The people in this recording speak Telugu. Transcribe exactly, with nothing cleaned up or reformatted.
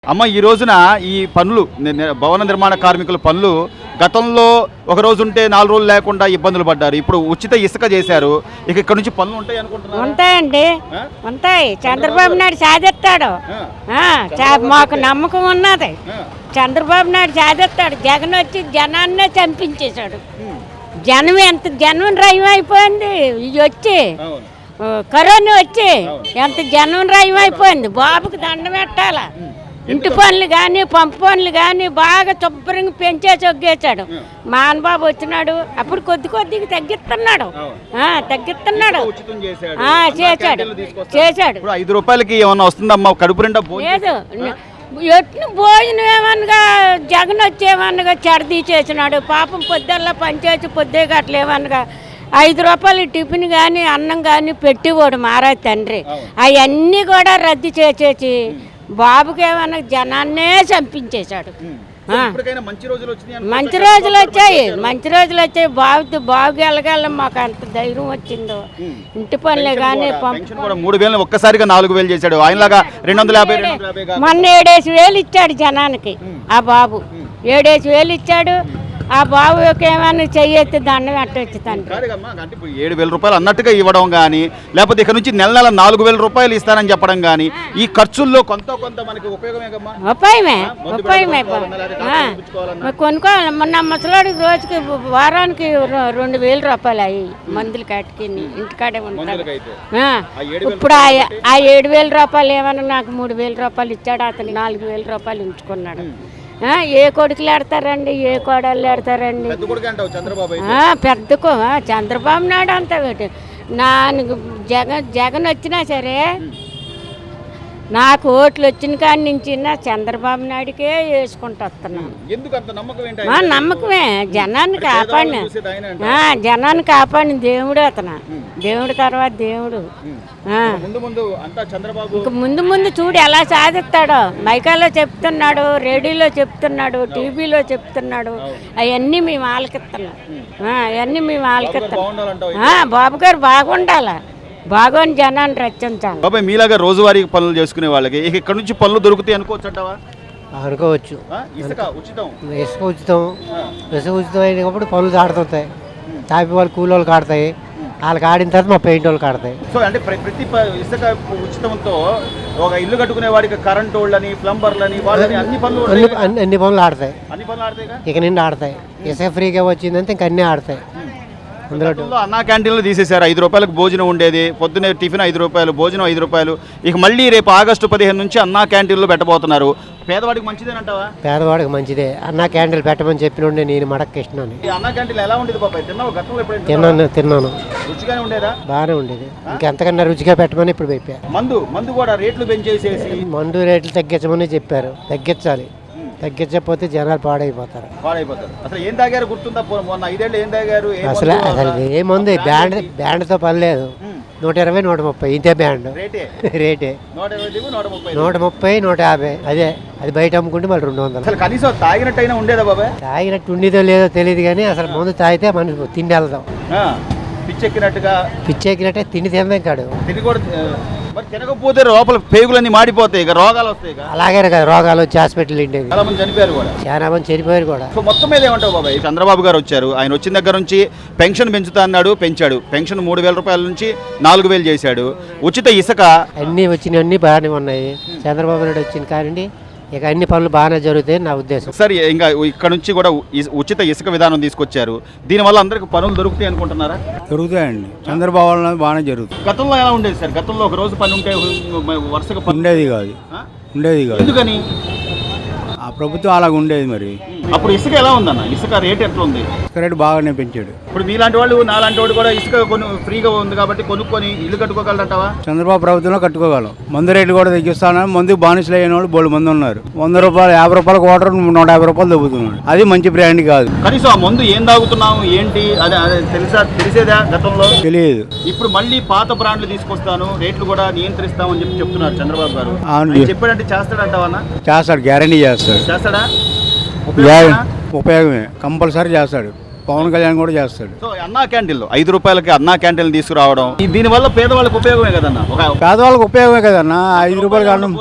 అమ్మ ఈ రోజున ఈ పనులు భవన నిర్మాణ కార్మికుల పనులు గతంలో ఒక రోజు ఉంటే నాలుగు రోజులు లేకుండా ఇబ్బందులు పడ్డారు. ఇప్పుడు ఉచిత ఇసుక చేశారు. ఇక ఇక్కడ నుంచి పనులు ఉంటాయి అనుకుంటున్నారు? ఉంటాయండి, ఉంటాయి. చంద్రబాబు నాయుడు సాధిస్తాడు, మాకు నమ్మకం ఉన్నది. చంద్రబాబు నాయుడు సాధిస్తాడు. జగన్ వచ్చి జనాన్నే చంపించేశాడు. జనం ఎంత జనం రయం అయిపోయింది. ఇది వచ్చి కరోనా వచ్చి ఎంత జనం రయం అయిపోయింది. బాబుకి దండం పెట్టాల. ఇంటి పనులు కానీ పంపు పనులు కానీ బాగా శుభ్రంగా పెంచేసి ఒగ్గేశాడు. మానబాబు వచ్చినాడు, అప్పుడు కొద్ది కొద్దిగా తగ్గిస్తున్నాడు తగ్గిస్తున్నాడు చేశాడు చేశాడు ఐదు రూపాయలకి ఏమన్నా వస్తుందమ్మా? కడుపు నిండా లేదు. ఎట్ను భోజనం ఏమనగా జగన్ వచ్చి ఏమనగా చెడదీ చేసినాడు. పాపం పొద్దుల్లా పనిచేసి పొద్దే గట్ల ఏమనగా ఐదు రూపాయలు టిఫిన్ కానీ అన్నం కానీ పెట్టివాడు మారా తండ్రి. అవన్నీ కూడా రద్దు చేసేసి బాబుకి ఏమన్నా జనాన్నే చంపించేశాడు. మంచి రోజులు వచ్చాయి, మంచి రోజులు వచ్చాయి. బాబు బాబుకి వెళ్ళగల మాకు అంత ధైర్యం వచ్చిందో. ఇంటి పనులే కానీ మూడు వేలు ఒక్కసారిగా నాలుగు వేలు చేశాడు. ఆయనలాగా రెండు వందల యాభై మొన్న ఏడేసి వేలు ఇచ్చాడు జనానికి. ఆ బాబు ఏడేసి వేలు ఇచ్చాడు. ఆ బాబుకి ఏమైనా చెయ్యెత్తి దండం పెట్టవచ్చు తండ్రి. ఏడు వేల రూపాయలు అన్నట్టుగా ఇవ్వడం కానీ, లేకపోతే ఇక్కడ నుంచి నెల నెల నాలుగు వేల రూపాయలు ఇస్తానని చెప్పడం కానీ, ఈ ఖర్చుల్లో కొంత కొంత మనకి ఉపయోగమే ఉపయోగమే ఉపయోగమే కొనుక్కోవాలి. మొన్న ముసలాడికి రోజుకి వారానికి రెండు వేల రూపాయలు అయ్యి మందులు కాటికి ఇంటికాడే ఉంటాడు. ఇప్పుడు ఆ ఏడు వేల రూపాయలు ఏమన్నా నాకు మూడు వేల రూపాయలు ఇచ్చాడు. అతను నాలుగు వేల రూపాయలు ఉంచుకున్నాడు. ఏ కొడుకులు ఆడతారండి, ఏ కోడళ్ళు ఆడతారండి? పెద్దకు చంద్రబాబు నాయుడు అంతా నాకు జగన్ జగన్ వచ్చినా సరే నాకు ఓట్లు వచ్చిన కాడి నుంచి చంద్రబాబు నాయుడికే వేసుకుంటూ వస్తున్నాను. మా నమ్మకమే. జనాన్ని కాపాడిన జనాన్ని కాపాడిన దేవుడు అతను. దేవుడు తర్వాత దేవుడు. ఇంక ముందు ముందు చూడు ఎలా సాధిస్తాడో. మైకాలో చెప్తున్నాడు, రేడియోలో చెప్తున్నాడు, టీవీలో చెప్తున్నాడు. అవన్నీ మేము ఆలకిస్తున్నాం. అవన్నీ మేము ఆలకిస్తున్నాం. బాబు గారు బాగుండాలా, బాగోని జనాన్ని రచించాలి. బాబాయ్ మీలాగా రోజువారీ పనులు చేసుకునే వాళ్ళకి ఇక్కడ నుంచి పనులు దొరుకుతాయి అనుకోవచ్చు అంటావా? అనుకోవచ్చు. ఇసుక ఉచితం ఇసుక ఉచితం ఇసుక ఉచితం అయినప్పుడు పనులు ఆడుతుంటాయి. తాపి వాళ్ళు కూలి వాళ్ళకి ఆడతాయి. వాళ్ళకి ఆడిన తర్వాత మా పెయింట్ వాళ్ళకి ఆడతాయి. సో అంటే ప్రతి ఇసుక ఉచితంతో ఒక ఇల్లు కట్టుకునే వాడికి కరెంట్ వాళ్ళని, ప్లంబర్లని, వాళ్ళని అన్ని పనులు అన్ని అన్ని పనులు ఆడతాయి. అన్ని పనులు ఆడతాయి. ఇక నిండి ఆడతాయి. ఇసుక ఫ్రీగా వచ్చిందంటే ఇంక అన్నీ ఆడతాయి. అన్నా క్యాంటీన్లు తీసేశారు. ఐదు రూపాయలకు భోజనం ఉండేది. పొద్దున్నే టిఫిన్ ఐదు రూపాయలు, భోజనం ఐదు రూపాయలు. ఇక మళ్ళీ రేపు ఆగస్టు పదిహేను నుంచి అన్నా క్యాంటీన్లు పెట్టబోతున్నారు. పేదవాడికి మంచిదేనంటావా? పేదవాడికి మంచిదే. అన్నా క్యాంటీన్లు పెట్టమని చెప్పిన నేను మడక్కిస్తున్నాను. అన్నా క్యాంటీన్ ఎలా ఉండేది బాబాయ్? తిన్నావు గతంలో? తిన్నాను తిన్నాను రుచిగానే ఉండేదా? బాగానే ఉండేది. ఇంకెంతకన్నా రుచిగా పెట్టమని ఇప్పుడు చెప్పా. మందు మందు కూడా రేట్లు పెంచేసేసి మందు రేట్లు తగ్గించమని చెప్పారు. తగ్గించాలి. తగ్గించకపోతే జనాలు పాడైపోతారు. పాడైపోతారు. అసలు ఏం తాగారు గుర్తుందా? మొన్న ఐదేళ్ళు ఏం తాగారు? అసలు అసలు ఏముంది, బ్యాండ్ బ్యాండ్తో పని లేదు. నూట ఇరవై నూట ముప్పై ఇంతే బ్యాండ్ రేటే. నూట ముప్పై నూట యాభై అదే. అది బయట అమ్ముకుంటే మళ్ళీ రెండు వందలు. అసలు కనీసం తాగినట్టయినా ఉండేదా బాబాయ్? తాగినట్టు ఉండేదో లేదో తెలియదు కానీ అసలు ముందు తాగితే మనం తిండి వెళ్దాం. పిచ్చెక్కినట్టుగా పిచ్చెక్కినట్టే తిండి తినదాం కాడు. తిని కూడా మరి తినకపోతే లోపల పేగులన్నీ మాడిపోతాయి, ఇక రోగాలు వస్తాయి. అలాగే కదా రోగాలు వచ్చి హాస్పిటల్ ఉండేది. చాలా మంది చనిపోయారు కూడా. చాలా మంది చనిపోయారు కూడా. సో మొత్తం మీద ఏమంటావు బాబాయ్? చంద్రబాబు గారు వచ్చారు. ఆయన వచ్చిన దగ్గర నుంచి పెన్షన్ పెంచుతా అన్నాడు, పెంచాడు. పెన్షన్ మూడు వేల రూపాయల నుంచి నాలుగు వేలు చేశాడు. ఉచిత ఇసుక అన్ని వచ్చినవన్నీ బాగానే ఉన్నాయి. చంద్రబాబు నాయుడు వచ్చిన కానండి ఇక అన్ని పనులు బాగానే జరుగుతాయి నా ఉద్దేశం. సరే, ఇంకా ఇక్కడ నుంచి కూడా ఉచిత ఇసుక విధానం తీసుకొచ్చారు. దీనివల్ల అందరికి పనులు దొరుకుతాయి అనుకుంటున్నారా? దొరుకుతాయండి. చంద్రబాబు బాగానే జరుగుతుంది. గతంలో ఎలా ఉండేది సార్? గతంలో ఒక రోజు పని ఉంటే వరుసగా ఉండేది కాదు ఉండేది కాదు ఎందుకని? ఆ ప్రభుత్వం అలాగ ఉండేది. మరి అప్పుడు ఇసుక ఎలా ఉందన్న? ఇసుక రేట్ ఎట్లా ఉంది? ఇసుక రేటు బాగానే పెంచాడు. ఇప్పుడు మీలాంటి వాళ్ళు నాలాంటి వాళ్ళు కూడా ఇసుక కొను ఫ్రీగా ఉంది కాబట్టి కొనుక్కొని ఇల్లు కట్టుకోగలరంటావా? చంద్రబాబు ప్రభుత్వంలో కట్టుకోగలం. మందు రేట్లు కూడా తగ్గిస్తాను. మందు బానిసలు అయిన వాళ్ళు బోళ్ళు మంది ఉన్నారు. వంద రూపాయలు యాభై రూపాయలు క్వార్టర్ నూట యాభై రూపాయలు దొబ్బుతున్నాడు. అది మంచి బ్రాండ్ కాదు. కనీసం ఆ మందు ఏం తాగుతున్నాము ఏంటి అదే అదే తెలుసా? తెలిసేదా గతంలో? తెలియదు. ఇప్పుడు మళ్ళీ పాత బ్రాండ్లు తీసుకొస్తాను, రేట్లు కూడా నియంత్రిస్తామని చెప్పి చెప్తున్నారు చంద్రబాబు గారు. చెప్పాడంటే చేస్తాడంటావా? చేస్తాడు, గ్యారంటీ చేస్తాడు. చేస్తాడా? ఉపయోగమే, కంపల్సరీ చేస్తాడు. పవన్ కళ్యాణ్ కూడా చేస్తాడు. సో అన్నా క్యాంటీన్లు ఐదు రూపాయలకి అన్నా క్యాంటీన్లు తీసుకురావడం దీని వల్ల పేదవాళ్ళకి ఉపయోగమే కదన్నా. పేదవాళ్ళకి ఉపయోగమే కదన్నా. ఐదు రూపాయలు కారణం